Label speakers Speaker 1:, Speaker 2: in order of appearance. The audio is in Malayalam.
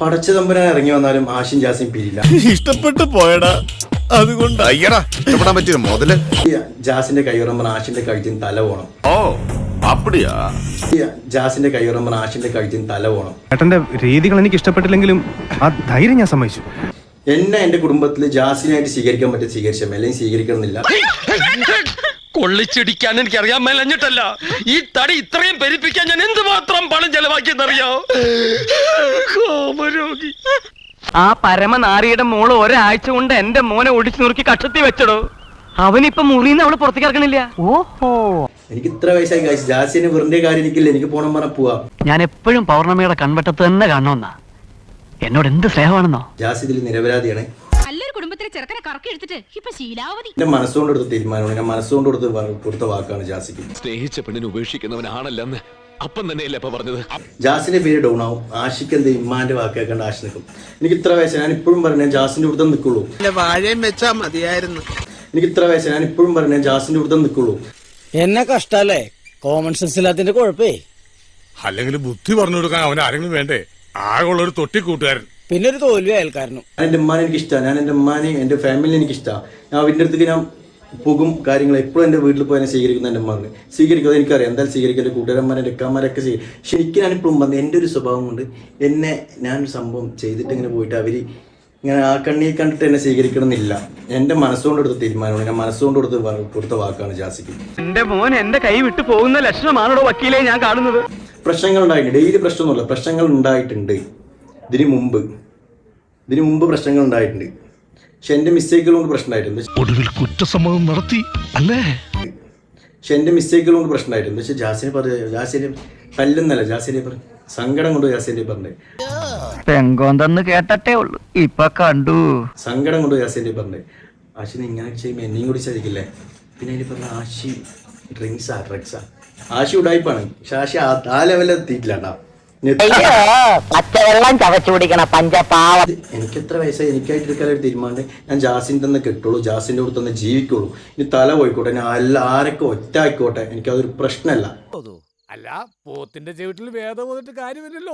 Speaker 1: പടച്ച തമ്പുരാൻ ഇറങ്ങി വന്നാലും ആശിൻ ജാസിം പിരിയില്ല.
Speaker 2: ഇഷ്ടപ്പെട്ടു പോയടാ, അതുകൊണ്ട് അയ്യടാ ഇഷ്ടപ്പെടാൻ പറ്റിയ മുതല്.
Speaker 1: ജാസിന്റെ കൈയുറമ്പൻ ആശിന്റെ കഴുത്തിന് തല പോണം.
Speaker 2: ഓ അപ്പടിയാ.
Speaker 1: ജാസിന്റെ കൈയുറമ്പൻ ആശിന്റെ കഴുത്തിന് തല പോണം.
Speaker 3: ഏട്ടന്റെ രീതികൾ എനിക്ക് ഇഷ്ടപ്പെട്ടില്ലെങ്കിലും ആ ധൈര്യം ഞാൻ സമ്മതിച്ചു.
Speaker 1: എന്നെ എന്റെ കുടുംബത്തിൽ ജാസിനായിട്ട് സ്വീകരിക്കാൻ പറ്റിയ സ്വീകരിച്ച അല്ലെങ്കിൽ സ്വീകരിക്കണമെന്നില്ല.
Speaker 4: കൊള്ളിച്ചിടിക്കാൻ എനിക്ക് അറിയാൻ മേലഞ്ഞിട്ടല്ല, ഈ തടി ഇത്രയും പെരുപ്പിക്കാൻ ഞാൻ എന്തുമാത്രം പണം ചെലവാക്കിയെന്നറിയോ? കോപരോഗി.
Speaker 5: ആ പരമനാരിയുടെ മോള് ഒരാഴ്ച കൊണ്ട് എന്റെ മോനെ ഒടിച്ചു നുറുക്കി കക്ഷത്തി വെച്ചടോ. അവനിപ്പൊ മുറിന്ന് അവള് പുറത്തേക്ക് ഇറക്കണില്ല. ഓഹോ,
Speaker 1: എനിക്ക് ഇത്ര വയസ്സായി കഴിച്ചു. ജാസിന് വെറുതെ കാര്യം എനിക്കില്ല. എനിക്ക് പോണം പറഞ്ഞാൽ പോവാ.
Speaker 5: ഞാൻ എപ്പോഴും പൗർണമിയുടെ കൺവെട്ടത്ത് തന്നെ കാണണമെന്നാ. എന്നോട് എന്ത് സ്നേഹമാണെന്നോ.
Speaker 1: ജാസി ഇതിൽ നിരപരാധിയാണ്.
Speaker 6: നല്ലൊരു കുടുംബത്തിലെ ചെറുക്കനെ കറക്കി എടുത്തിട്ട് ഇപ്പൊ ശീലാവധി.
Speaker 1: എന്റെ മനസ്സുകൊണ്ട് എടുത്ത തീരുമാനമാണ്. ഞാൻ മനസ്സുകൊണ്ട് കൊടുത്ത വാക്കാണ് ജാസിക്ക്.
Speaker 4: സ്നേഹിച്ച പെണ്ണിനെ ഉപേക്ഷിക്കുന്നവനാണല്ലെന്ന് അപ്പം തന്നെയല്ലേ ഇപ്പൊ പറഞ്ഞത്.
Speaker 1: ജാസിന്റെ പേര് ഡൗൺ ആവും. ആഷിക്ക് എന്ത് ഇമ്മാന്റെ വാക്ക് കേൾക്കേണ്ട ആശി നിൽക്കും. എനിക്ക് ഇത്ര വയസ്സ്, ഞാൻ ഇപ്പോഴും പറഞ്ഞു ജാസിന്റെ കൊടുത്തേ നിൽക്കുള്ളൂ.
Speaker 7: വാഴയും വെച്ചാ മതിയായിരുന്നു.
Speaker 1: എനിക്ക് ഇത്ര വയസ്സ്, ഞാൻ ഇപ്പോഴും പറഞ്ഞു ജാസിന്റെ കൊടുത്തേ നിൽക്കുള്ളൂ.
Speaker 7: എന്നെ കഷ്ടല്ലേ, കോമൺ സെൻസ് ഇല്ലാത്തിന്റെ കുഴപ്പേ.
Speaker 2: അല്ലെങ്കിൽ ബുദ്ധി പറഞ്ഞു കൊടുക്കാൻ അവൻ ആരെങ്കിലും വേണ്ടേ? ആകെയുള്ള ഒരു തൊട്ടിക്കൂട്ടുകാരൻ,
Speaker 7: പിന്നെ ഒരു തോൽവി അയൽക്കാരനും.
Speaker 1: എന്റെ ഉമ്മാനെ എനിക്ക് ഇഷ്ടമാണ്. ഞാൻ എന്റെ ഉമ്മാനെ എന്റെ ഫാമിലിനെ എനിക്ക് ഇഷ്ടമാണ്. ഞാൻ അവന്റെ അടുത്തേക്ക് ഞാൻ പോകും. കാര്യങ്ങൾ എപ്പോഴും എന്റെ വീട്ടിൽ പോയി എന്നെ സ്വീകരിക്കുന്ന എന്റെ ഉമ്മാനെ സ്വീകരിക്കുന്നത് എനിക്കറിയാം. എന്തായാലും സ്വീകരിക്കും. എന്റെ കൂട്ടുകാരന്മാരെ എന്റെ എക്കാമാരൊക്കെ സ്വീകരിക്കും. പക്ഷെ എനിക്ക് ഞാനിപ്പോഴും വന്ന് എന്റെ ഒരു സ്വഭാവം കൊണ്ട് എന്നെ ഞാനൊരു സംഭവം ചെയ്തിട്ട് ഇങ്ങനെ പോയിട്ട് അവര് ഇങ്ങനെ ആ കണ്ണീർ കണ്ടിട്ട് എന്നെ സ്വീകരിക്കണമെന്നില്ല. എന്റെ മനസ്സുകൊണ്ട് എടുത്ത തീരുമാനമാണ്. ഞാൻ മനസ്സുകൊണ്ട് കൊടുത്ത വാക്കാണ് ജാസിക്ക്.
Speaker 5: എന്റെ മോൻ എന്റെ കൈ വിട്ടു പോകുന്ന ലക്ഷണമാണോ വക്കീലെ ഞാൻ കാണുന്നത്.
Speaker 1: പ്രശ്നങ്ങൾ ഉണ്ടായിട്ടുണ്ട്. ഡെയിലി പ്രശ്നമൊന്നുമില്ല, പ്രശ്നങ്ങൾ ഉണ്ടായിട്ടുണ്ട്. ഇതിനു മുമ്പ് പ്രശ്നങ്ങൾ ഉണ്ടായിട്ടുണ്ട്. പക്ഷെ എന്റെ മിസ്റ്റേക്കുകൾ കൊണ്ട് പ്രശ്നം ഉണ്ടായിട്ടുണ്ട്.
Speaker 2: ഒടുവിൽ കുറ്റസമ്മതം നടത്തി അല്ലേ?
Speaker 1: പക്ഷെ എന്റെ മിസ്റ്റേക്കുകൾ കൊണ്ട് പ്രശ്നം ഉണ്ടായിട്ടുണ്ട്. പക്ഷെ ജാസിനെ തല്ലുന്നല്ല, ജാസിനെ സങ്കടം കൊണ്ട് ജാസിനെ പറഞ്ഞേ.
Speaker 5: പെങ്കോന്തെന്ന് കേട്ടേ ഉള്ളു, ഇപ്പൊ കണ്ടു.
Speaker 1: സങ്കടം കൊണ്ട് ജാസിനെ പറഞ്ഞേ. ആശിനെ ഇങ്ങനെ ചെയ്യുമ്പോൾ എന്നെയും കൂടി ചതിക്കില്ലേ. പിന്നെ അതിൽ പറഞ്ഞ ആശി ഡ്രഗ്സാ. ആശി ഉടായിപ്പാണ്. പക്ഷെ ആശി ആ ലെവലിൽ എത്തിയിട്ടില്ല.
Speaker 5: പച്ചവെള്ളം ചവച്ചു കുടിക്കണ പഞ്ചപാവ.
Speaker 1: എനിക്ക് എത്ര വയസ്സായി, എനിക്കായിട്ട് എടുക്കാൻ ഒരു തീരുമാനം. ഞാൻ ജാസിൻ്റെ തന്നെ കെട്ടുള്ളൂ, ജാസിൻ്റെ കൂടെ തന്നെ ജീവിക്കുള്ളൂ. ഇനി തല പോയിക്കോട്ടെ, ഞാൻ ആരൊക്കെ ഒറ്റ ആയിക്കോട്ടെ, എനിക്കതൊരു പ്രശ്നമല്ല.
Speaker 8: അല്ല, പോത്തിന്റെ ചവിട്ടിൽ വേദം വന്നിട്ട് കാര്യമില്ലല്ലോ.